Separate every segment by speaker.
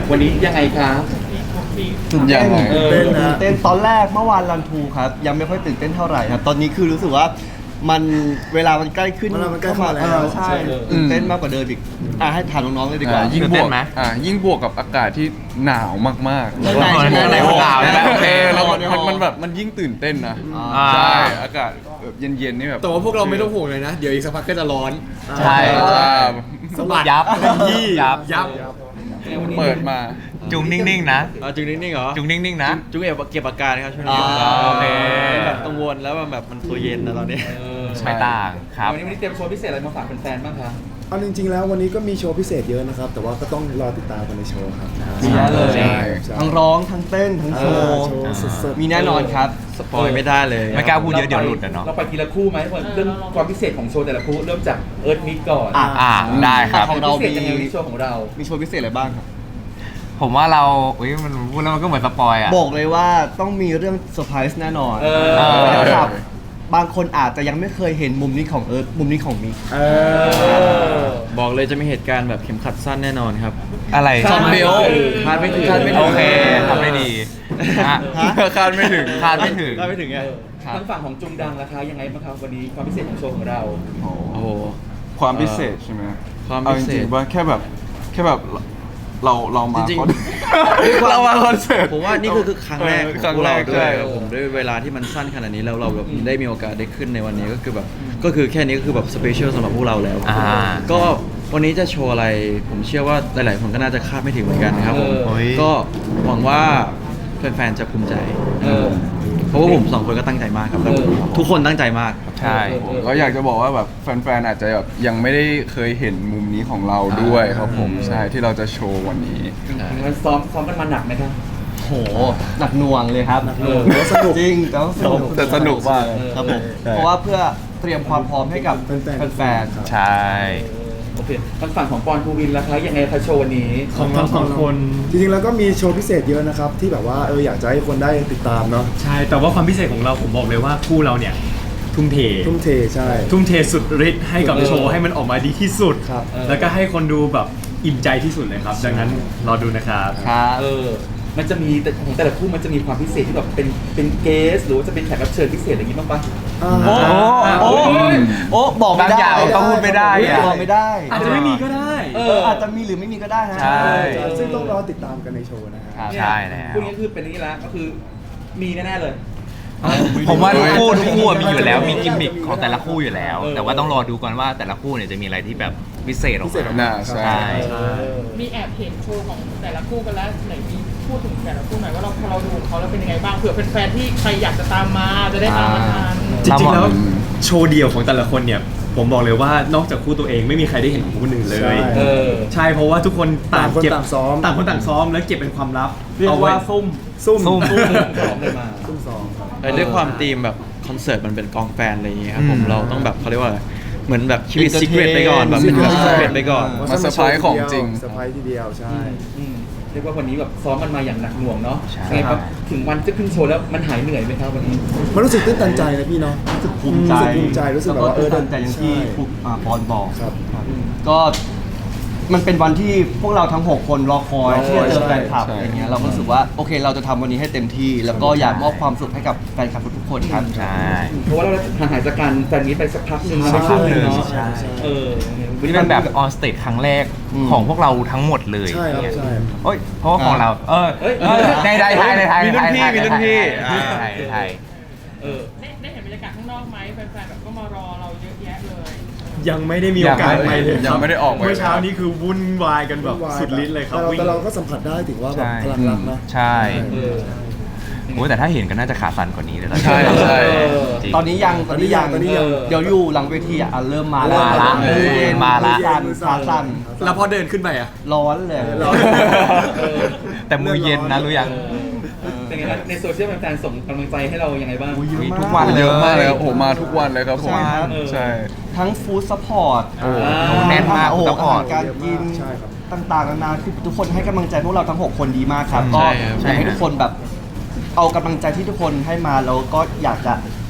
Speaker 1: วันนี้ยังไงคะ
Speaker 2: ตื่นเต้น
Speaker 3: ตื่นเต้นตอนแรกเมื่อวานรันทูครับยังไม่ค่อยตื่นเต้นเท่าไหร่ครับตอนนี้คือรู้สึกว่ามันเวลามันใกล้ขึ้น
Speaker 2: มันใกล้เข้ามาแล้ว
Speaker 3: ใช่ตื่นเต้นมากกว่าเดิมอีกให้ถามน้องๆเลยดีกว่า
Speaker 4: ยิ่ง
Speaker 5: ตื่น
Speaker 4: บ
Speaker 5: เต้
Speaker 4: วน ก
Speaker 5: ไหม
Speaker 4: ยิ่งบวกกับอากาศที่หนาวมากๆ
Speaker 5: ในหนาวใช่ไหมโอเค
Speaker 4: แล้วมันแบบมันยิ่งตื่นเต้นนะ
Speaker 5: อ่า
Speaker 4: ใช่อากาศแบบเย็นๆนี่แบบ
Speaker 6: แต่ว่าพวกเราไม่ต้องห่วงเลยนะ เดี๋ยวอีกสักพักก็จะร้อน
Speaker 5: ใช่
Speaker 6: สะบัด
Speaker 5: ยับ
Speaker 6: ยี่
Speaker 5: ยับ
Speaker 6: ยับ
Speaker 4: เปิดมา
Speaker 5: จุงนิ่งๆนะ
Speaker 6: จุงนิ่งๆเหรอ
Speaker 5: จุงนิ่งๆนะ
Speaker 6: จุงเก็บอาการครับช่วงนี้
Speaker 5: โอเค
Speaker 6: แบบกังวลแล้วแบบมันตัวเย็นนะตอนนี้
Speaker 5: ไม่ต่างครับ
Speaker 1: วันนี้เตรียมโชว์พิเศษอะไรมาฝากแฟนๆบ้างคะ
Speaker 2: เอาจริงๆแล้ววันนี้ก็มีโชว์พิเศษเยอะนะครับ แต่ว่าก็ต้องรอติดตามกันในโชว์ครับ
Speaker 3: มีเยอะเลย
Speaker 4: ใช่
Speaker 3: ทั้งร้องทั้งเต้นทั้งโชว์
Speaker 2: โชว์สดๆ
Speaker 3: มีแน่นอนครับ
Speaker 6: สปอยไม่ได้เลย
Speaker 5: ไม่กล้าพูดเยอะเดี๋ยวหลุดอะเนาะ
Speaker 1: เราไปทีละคู่ไหมเรื่องความพิเศษของโชว์แต่ละคู่เริ่มจากเอิร์ธมิกก่อน
Speaker 5: ได้ครับ
Speaker 3: ของเรา
Speaker 1: พิเศษยังไงในโชว์ของเรา
Speaker 3: มีโชว์พิเศษอะไรบ้างครับ
Speaker 5: ผมว่าเราอุ้ยมันพูดแล้วมันก็เหมือนสปอยอ่ะ
Speaker 3: บอกเลยว่าต้องมีเรื่องเซอร์ไพรส์แน่นอน
Speaker 1: เออ
Speaker 3: นะครับบางคนอาจจะยังไม่เคยเห็นมุมนี้ของเอิร์ธมุมนี้ของมิก
Speaker 6: บอกเลยจะมีเหตุการณ์แบบเข็มขัดสั้นแน่นอนครับ
Speaker 5: อะไร
Speaker 1: คาดไม่ถึง
Speaker 6: คาดไม่ถึง
Speaker 5: โอเคทำได้ดีฮะ
Speaker 4: คาดไม่ถึง
Speaker 5: คาดไม่ถึง
Speaker 6: คาดไม่ถึงไง
Speaker 1: ทางฝั่งของจุงดังราคายังไงบ้างครับวันนี้ความพิเศษของโชว์ของเรา
Speaker 6: โอ้โห
Speaker 4: ความพิเศษใช่ไหม
Speaker 6: ความ
Speaker 4: เอา
Speaker 6: พิ
Speaker 4: จ
Speaker 6: เศษ
Speaker 4: ริงๆว่าแค่แบบเรามา
Speaker 6: จริงๆ
Speaker 4: คอนเรามาคอนเสิร์ต
Speaker 6: ผมว่านี่คือครั้งแรกของ
Speaker 4: ครั้ง
Speaker 6: พวก
Speaker 4: แร
Speaker 6: เรา
Speaker 4: ก
Speaker 6: ด้ว
Speaker 4: ใช่
Speaker 6: ยครับผมด้วยเวลาที่มันสั้นขนาดนี้แล้วเราแบบได้มีโอกาสได้ขึ้นในวันนี้ก็คือแบบก็คือแค่นี้ก็คือแบบสเปเชียลสำหรับพวกเราแล้ว ก็วันนี้จะโชว์อะไรผมเชื่อว่าหลายๆคนก็น่าจะคาดไม่ถึงเหมือนกันครับผม
Speaker 5: เฮ้ย
Speaker 6: ก็หวังว่าแฟนๆจะภูมิใจนะครับผมเพราะว่าผมสองคนก็ตั้งใจมากครับแล้วทุกคนตั้งใจมากครับ
Speaker 5: ใช่
Speaker 4: เราอยากจะบอกว่าแบบแฟนๆอาจจะแบบยังไม่ได้เคยเห็นมุมนี้ของเราด้วยครับผมใช่ที่เราจะโชว์วันนี้
Speaker 1: มันซ้อมกันมาหนักไหมครับ
Speaker 3: โหหนักหน่วงเลยครับ
Speaker 1: หนักหน่วง
Speaker 3: สนุกจริงแต่ว่าสนุก
Speaker 4: แต่สนุกมาก
Speaker 3: ครับผมเพราะว่าเพื่อเตรียมความพร้อมให้กับ
Speaker 2: แฟนๆ
Speaker 3: แฟน
Speaker 5: ใช่
Speaker 1: โอเคทางฝั่งของปอนภูวินราคายังไงคะโชว์วันนี้
Speaker 7: ของเราสองคน
Speaker 2: จริงๆแล้วก็มีโชว์พิเศษเยอะนะครับ ที่แบบว่าอยากจะให้คนได้ติดตามเนาะ
Speaker 7: ใช่ แต่ว่าความพิเศษของเราผมบอกเลยว่าคู่เราเนี่ย ทุ่มเท
Speaker 2: ทุ่มเทใช่
Speaker 7: ทุ่มเทสุดฤทธิ์ให้กับโชว์ให้มันออกมาดีที่สุด
Speaker 2: ครับ
Speaker 7: แล้วก็ให้คนดูแบบอิ่มใจที่สุดเลยครับ ดังนั้นรอดูนะครับ
Speaker 3: ๆครับ
Speaker 1: มันจะมีแต่ของแต่ละคู่มันจะมีความพิเศษที่แบบเป็นเกสหรือว่าจะเป็นแขกรับเชิญพิเศษอะไรอย่างงี้บ้างปะ
Speaker 3: โอ้โอ้โอ้บอกไม่
Speaker 5: บาง
Speaker 3: ได้
Speaker 5: อย่างก็พูดไม่ได้อะ
Speaker 3: บอกไม่ได้
Speaker 7: อาจจะไม่มีก็ได้
Speaker 3: อาจจะมีหรือไม่มีก็ได้นะ
Speaker 5: ใช่
Speaker 2: ซึ่งต้องรอติดตามกันในโชว์นะครับ
Speaker 1: เนี่ย
Speaker 5: ใช่แล้ว
Speaker 1: คู่นี้คือเป็นอย่างนี้แล้วก็คือมีแน่ๆเลย
Speaker 5: ผมว่าทุกคู่มีอยู่แล้วมีกิมมิคของแต่ละคู่อยู่แล้ว แต่ว่าต้องรอดูก่อนว่าแต่ละคู่เนี่ยจะมีอะไรที่แบบพิเศษออก
Speaker 2: พิเศษออก
Speaker 5: มา
Speaker 2: มา
Speaker 4: น่าใช่
Speaker 8: มีแอบเห็นโชว์ของแต่ละคู่กันแล้วไหนมีพูดถึงแต่ละคู่หน่อยว่าพอเราดูของเขาแล้วเป็นยังไงบ้างเผื่อเป็นแฟนที่ใครอยากจะตามมาจะได้ตามมาทัน
Speaker 7: จริงๆแล้วโชว์เดี่ยวของแต่ละคนเนี่ย ผมบอกเลยว่านอกจากคู่ตัวเองไม่มีใครได้เห็นของคนอื่นเลย
Speaker 2: ใช่
Speaker 7: ใช่เพราะว่าทุกคนต่างเก็บ
Speaker 2: ต่างคนต่างซ้อม
Speaker 7: ต่างคนต่างซ้อมแล้วเก็บเป็นความลับ
Speaker 3: เรียกว่าซุ่ม
Speaker 2: ซุ่ม
Speaker 1: พร้อมเลยมา
Speaker 2: ซุ่มซ้อมครับ
Speaker 6: ด้วยความธีมแบบคอนเสิร์ตมันเป็นกองแฟนอะไรอย่างเงี้ยครับผมเราต้องแบบเขาเรียกว่าอะไรเหมือนแบบชีวิต
Speaker 3: Entertain
Speaker 6: ซีเครตไปก่อนแบบเป็นแบบซีเครตไปก่อน
Speaker 4: มาเซอร์ไพรส์ของจริง
Speaker 2: เซอร์ไพรส์ทีเดียวใช่
Speaker 1: เรียกว่าวันนี้แบบซ้อมมันมาอย่างหนักหน่วงเนาะ
Speaker 5: ใช่
Speaker 1: ไงครับถึงวันจะขึ้นโชว์แล้วมันหายเหนื่อยไหมครับวันนี้
Speaker 2: มันรู้สึกตื้นตันใจนะพี่เนาะ
Speaker 3: รู้สึกภูมิใจ
Speaker 2: รู้สึกภูมิใจรู้สึกแบบว่า
Speaker 3: แล้วก็ตื่นใจอย่างที่
Speaker 2: ใช่
Speaker 3: ปอนบอก
Speaker 2: ครับ
Speaker 3: ก็มันเป็นวันที่พวกเราทั้ง 6 คนรอคอยที่จะเจอแฟนคลับ
Speaker 4: ใช่
Speaker 3: อะไรเงี้ยเราก็รู้สึกว่าโอเคเราจะทำวันนี้ให้เต็มที่ แล้วก็อยากมอบความสุขให้กับแฟนคลับทุกๆคนครับ
Speaker 5: ใช่
Speaker 1: เพราะว่าเราห่างหายจากการแฟนนี้ไปสักพักหนึ่งแล้ว
Speaker 5: สักพักหนึ่ง
Speaker 1: เนาะ
Speaker 5: ใช่
Speaker 1: วันนี้
Speaker 5: เป็นแบบออนสเตจครั้งแรกของพวกเราทั้งหมดเลย
Speaker 2: ใช่ครับใช่
Speaker 5: โอ้ยเพราะว่าของเราในไทย
Speaker 6: มีรุ่นพี่มีรุ่นพี่
Speaker 5: ไทย
Speaker 8: ได้เห็นบรรยากาศข้างนอกไหมแฟนๆแบบก็มารอเราเยอะแยะเลย
Speaker 7: ยังไม่ได้มีโอกาสไปเลย
Speaker 4: ยังไม่ได้ออกไป
Speaker 7: เมื่อเช้านี้คือวุ่นวายกันแบบสุดฤทธิ์เลยครับวิ่ง
Speaker 2: แต่เราก็สัมผัสได้ถึงว่าแบบพลังรักนะ
Speaker 5: ใช่โอ้แต่ถ้าเห็นก็น่าจะขาสั่นกว่านี้เลยตอนนี้
Speaker 4: ใช่ใช่
Speaker 5: จริง
Speaker 3: ตอนนี้ยังเดี๋ยวอยู่หลังเวทีอ่ะเริ่มมาแล้ว
Speaker 5: มาละ
Speaker 3: สั่นขาสั่น
Speaker 6: แล้วพอเดินขึ้นไปอ่ะ
Speaker 3: ร้อนเลย
Speaker 5: แต่มือเย็นนะรู้ยัง
Speaker 1: เป็นไงครับในโซเชียลแฟนๆส่งกำลังใจให้เรายังไงบ้าง
Speaker 5: มีทุกวันเลย
Speaker 4: เยอะมากเลยครับโอ้โหมาทุกวันเลยครับผม
Speaker 3: ใช่ครับ
Speaker 4: ใช่
Speaker 3: ทั้งฟู้ดซัพพอร์ต
Speaker 5: แน่นมาก
Speaker 3: โอ้โห
Speaker 5: ซัพพอร์ต
Speaker 3: อาหารการกิน
Speaker 2: ใช่ครับ
Speaker 3: ต่างๆนานาคือทุกคนให้กำลังใจพวกเราทั้ง 6 คนดีมากครับ ก็
Speaker 6: ใช่ครับ
Speaker 3: อยากให้ทุกคนแบบเอากำลังใจที่ทุกคนให้มาแล้วก็อยากจะ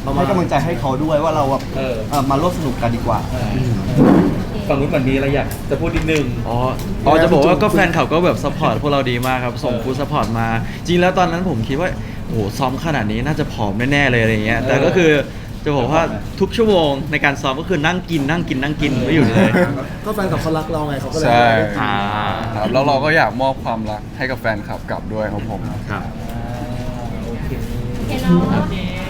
Speaker 3: ให้กำลังใจให้เขาด้วยว่าเราแบบ
Speaker 1: เออ
Speaker 3: มาร่วมสนุกกันดีกว่า
Speaker 1: ฝั่งนู้นเหมือนมีอะไรอยากจะพูดนิดนึง
Speaker 6: อ๋อจะบอกว่าก็แฟนเขาก็แบบซัพพอร์ตพวกเราดีมากครับ ส่งฟู้ดซัพพอร์ตมา จริงแล้วตอนนั้นผมคิดว่าโอ้โหซ้อมขนาดนี้น่าจะผอมแน่ๆเลยอะไรเงี้ยแต่ก็คือจะบอกว่าทุกชั่วโมงในการซ้อมก็คือนั่งกินไม่หยุดเลย
Speaker 2: ก็แฟนกับเขารักเราไงเขาก็เลย
Speaker 4: ใช่
Speaker 5: อ่า
Speaker 4: ครับแล้วเราก็อยากมอบความรักให้กับแฟนคลับกลับด้วยครับผม
Speaker 8: โอเค
Speaker 9: เห็นเนาะ
Speaker 8: โอเค